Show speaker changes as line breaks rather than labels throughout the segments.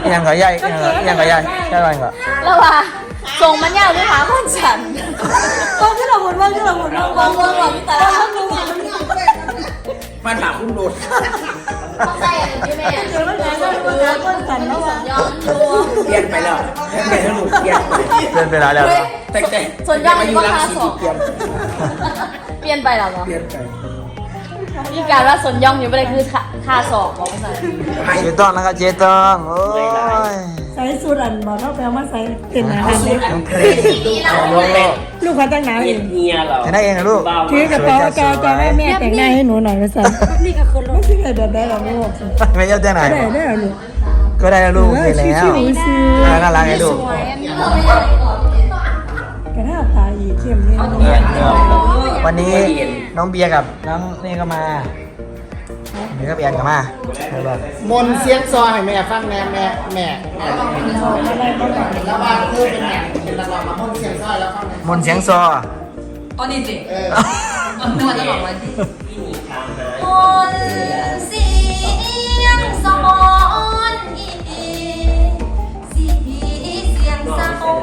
ยังก็ใหญ่ยังก็ใหญ่ใช่ไหมก็
แล้วว่าส่งมันยาวด้วยหาคนฉันต้องที่เราหมุนว่าที่เราหมุนวางหลอกแต่ละ
มันถามคุณโดด
ต้องใส่อะไรที่แม่เดี๋ยวมันไหนก็ดูนะคนฉันแล้วว่าย้อนดู
เปลี่ยนไปแล้วเปลี่ยนหนูเปลี่ยน
ไปแล้ว
แต่
ส่วนย่องก็ค่าสองเปลี่ยนไปหรอ
เปลี่ยนไป
มีการว่าส่วนย่องอยู่ไม่ได้คือค่าสองของใส่
เจต้องนะครับเจต้องโอ้ย
ใส่สูตรอันบอกเราไปเอามาใส่เป็นอาหารเล็กลูกเขาตั้งหนาเอง
เมียเรา
แต่งได้เองนะลูก
ถือกระเป๋าจอแม่แต่งหน้าให้หนูหน่อยมาใส่นี่ก็คนไม่ใช่แบบได้หรอกลูก
ไม่ยอมแต่งไหน
ได้หรอลูก
ก็ได้แล้วลูกเห็นแล้วน่ารักไงลูก
กระทาตาอีเข้มเนี่ย
วันนี้น้องเบียร์กับน้องนี่ก็มาเบียร์กับแอนก็มาม
นเสียงซอให้แม่ฟังแม่แล้วว่าคือเป็นแม่เรามามนเสียงซอแล้วฟัง
มนเสียงซอ
อ๋อนี่สินวดจะบอกว่าที่มนเสียงซอนเสียงซอน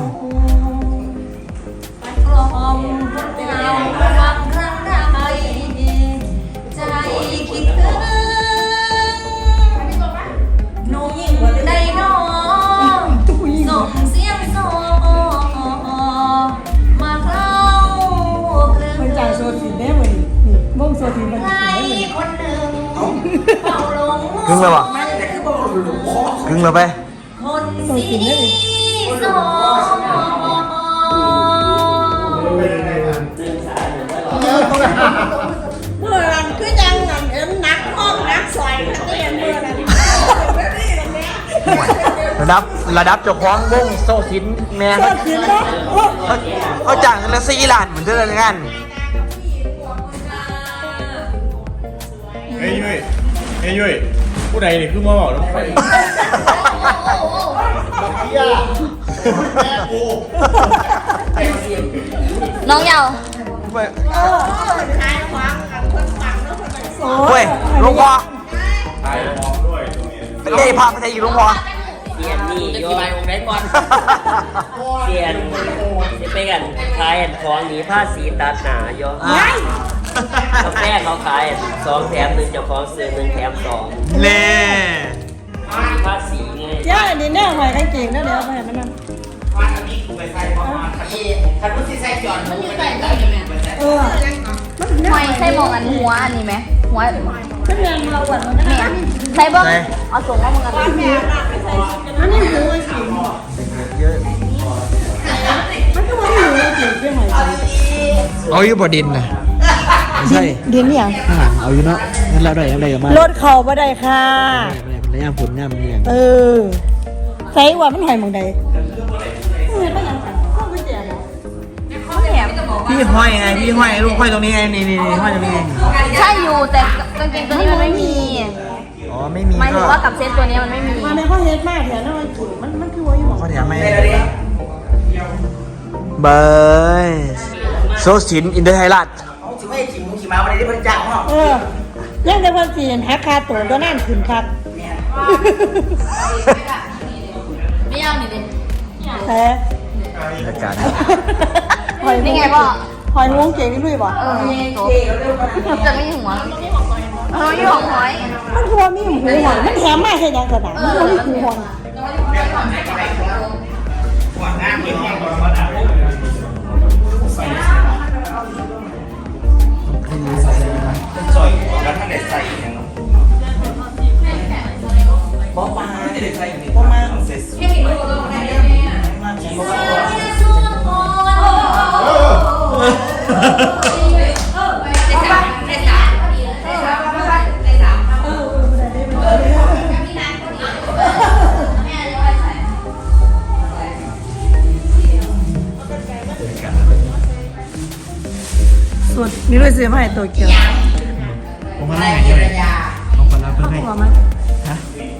กลอมเงาวังครั้งใดใจคิดถึงหนุ่มใดน้องส่งเสียงซอมาเข้าเครื่อง
มันจ่ายโซทีได้เหมือนนี่ม่งโซทีมัน
ใครคนหนึ่งเป่าลง
กึ่งเลยวะกึ่งเลยไป
คนสีซอ
เมื่อรันคือยังนักห้องนักซอยนักเรียนเมื่อรัน
ระดับเจ้าของวงโซซินแม่เขาจ้างกันละ4 ล้านเหมือนเดิมงาน
เฮ้ยยุ้ยผู้ใดนี่คือมาบอกน้องไฟ
น้องเยา
เฮ้ยลุงพอเป็นไงพาไปไทยอยู่ลุงพอ
เสียนนี่โยนองค์ไหนก่อนเสียนจะไปกันขายของหนีผ้าสีตัดหนาโยกาแฟเขาขาย2 แถม 1เจ้าของซื้อ1 แถม 2
เล่
ผ้าสีไง
ย่าอันนี้แน่หอยกางเกงนั่นเดี๋ยวไปมันนั่น
มันอยู่ใส่ได้ไหมหอยใส่มองอันหัวอันนี้ไหมหัว
ก็เรียนเราแบบ
แม่ใส่บ้างเอาส่งมาเหมือนกัน
อันนี้หูไอ้สิ
เยอะ
มันก็ว่าหูไอ้สิเรื่องหอย
เอาอยู่บ่ดินนะใช่
ดินเนี่ย
เอาอยู่เนาะงั้นเราได้อะไรกันมาร
ถเขาบ่ได้ค่ะ
ระยะผลงามเนี่ย
ใส่ว่ามันหอยมองใด
พี่ห้อยไงพี่ห้อยลูกห้อยตรงนี้ไงนี่ห้อยตรงนี้
ใช่อยู่แต่กางเกงตัวนี้มันไม่มี
อ๋อไม่มี
หมายถึงว่ากับเซตตัวนี้มันไม่มี
มาในข้อเฮ็ดมากแถวนั้นมันคือว่าอยู่
ข้อแถมไม่เบยโซสินอินเตอร์ไทยรัฐ
ไม่ขี่มุ้งขี่ม้าวันนี้บริจาคห้อง
ยังแต่คนจีนแฮกคาตัวตัวนั่นขึ้นครับ
ไม่เอาหนิดิ
แท้
รายการ
นี่ไงพ่อ
หอยงวงเก่งนี่ด้วยป่ะ
จะไม่หัวไม่หัวหอย
มันคือว่ามีหูหอยมันแถมมาให้ยังกระดังมันมีหูหอย
ซอยแล้วท่านเด็ดใส่อย่างนั้นบ๊อบมาเด็ดใส่อย่างนี้บ๊อบมาเสร็จ
สุดนี่ด้วยซื้อมาให้ตัวเกียว
ผมมาให้เลยผมคนรับเพื่อนให้ฮะ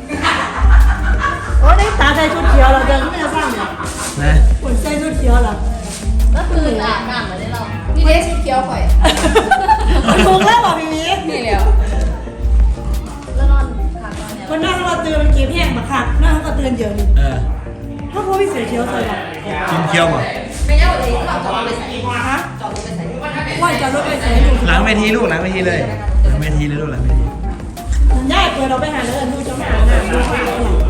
โอ้ได้ตาใส่ชุดเขียวเราเดินไม่ได้ฟังเนี่ย
นะ
คนใส่ชุดเขียวเหรอ
ก็คืออาบน้ำเหมือนเรานี่เด็กสีเขียวข่อย
ถูกแล้วบอกพี่มี
นี่แล้วแล้วนอนขาดนอนเนี่ย
คนนั่งเราตื่นเก็บแห้งมาค่ะนั่งก็ตื่นเยอะนี่ถ้าเขาไม่เสียเชียวเลยหรอ
กินเคี้ยวมั้ง
ไม่ได้เลยจอดรถไปใส่
ฮะ
จอดรถไปใส่
ว่าจะรถไปใส่ดู
หลังเวทีลูกหลังเวทีเลยหลังเวทีเลยลูกหลังเวที
ย่าเปิดเราไปหาเลยดูจะไม่หาหน้าดูหา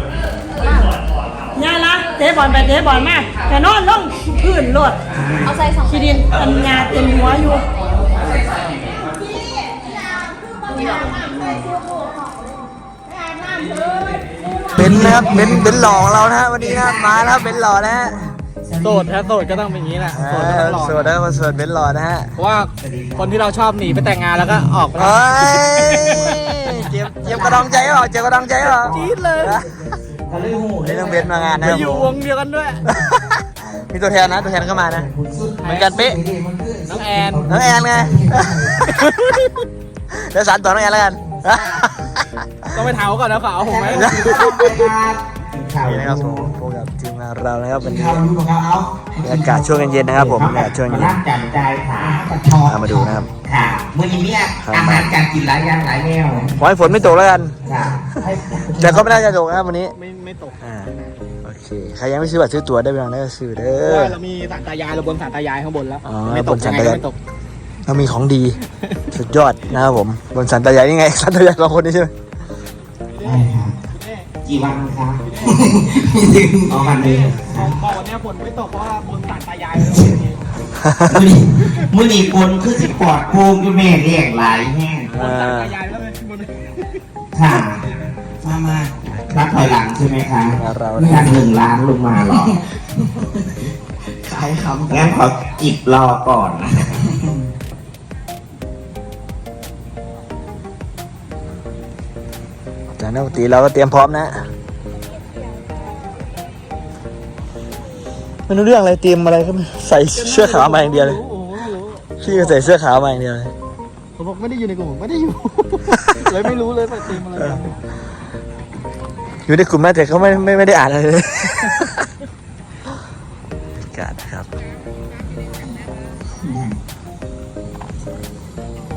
ย่าละเตะบอลไปเตะบอลมาแต่นอนลงพื้นรถ
เอาใส่สอง
ขี้ดินอันยาเต็มหัวอยู่
เป็นนะครับเป็นหล่อของเรานะฮะวันนี้นะมาแล้วครับเป็นหล่อนะฮะ
โสดถ้าโสดก็ต้องเป็นอย่างนี้แหละโสดก็ต้องหล่อ
สวดนะมาสวดเป็นหล่อนะฮะ
เพราะว่าคนที่เราชอบหนีไปแต่งงานแล้วก็ออกไป
เฮ้ยเจ็บกระดองใจเปล่าเจ็บกระดองใจเปล่า
จี๊ดเลย
นี่ต้องเบนมางานนะ
ไป
ครับ
อยู่วงเดียวกันด้วย
มีตัวแทนนะตัวแทนก็มานะเหมือนกันเป๊ะ
น้องแอน
น้องแอนไงเดี๋ยวสารต่อน้องแอนแล้วกัน
ต้องไปเท้าก่อนนะเขาเอาผมไหม
นี่นะครับผมพบกับทีมงานเรานะครับวันนี้บรรยากาศช่วงเย็นๆนะครับผมบรรยากาศช่วงเย็น
ร่างจันใจค่ะกระชอบ
เอามาดูนะครับ
ค่ะมื่อนี้เนี่ยอาหารการกินหลายอย่างหลายแนว
ขอให้ฝนไม่ตกแล้วกัน
ค่ะให้
แต่ก็ไม่น่าจะตกนะครับวันนี้
ไม่ตก
โอเคใครยังไม่ซื้อบัตรซื้อตั๋วได้ไปลองได้ก็ซื้อเด้
เพราะ
อ
ว่าเรามีศาลตายายเราบนศาลตายายข้างบนแล้ว
อ๋อ
ไม่ต
บ
ก
นศา
ยั
ล
งไง
ตายาย
ก็ไม่ตก
เรามีของดี สุดยอดนะครับผมบนสันตายายนี่ไงสันตายายสองคนนี้ใช่ไหม
ได้ค่ะกี่วันคะอ๋อวันนี้
บอกวันนี้ฝนไม่ตกเพราะว่าบนศาลตายาย
มื่อนี้คนคือสิปอดโป่งอยู่แม่เรียกหลายแห้ง
บนศาลตายายแล้วไงบน
ค่ะมานับถอยหลังใช่ไหมคะ
เรา
จาก1 ล้านลงมาหรอขายคำงั้นขอจิบรอก่อนนะ
จากนักดนตรีเราก็เตรียมพร้อมนะไม่รู้เรื่องอะไรเตรียมอะไรก็ไม่ใส่เสื้อขาวมาอย่างเดียวเลย
โอ้โหไม่รู้
พี่ก็ใส่เสื้อขาวมาอย่างเดียวเลย
ผมบอกไม่ได้อยู่ในกลุ่มไม่ได้อยู่ เลยไม่รู้เลยไปตีมอะไรกัน
อยู่ในกลุ่มนะแต่เขาไม่ได้อ่านอะไรเลยบรรยากาศนะครับ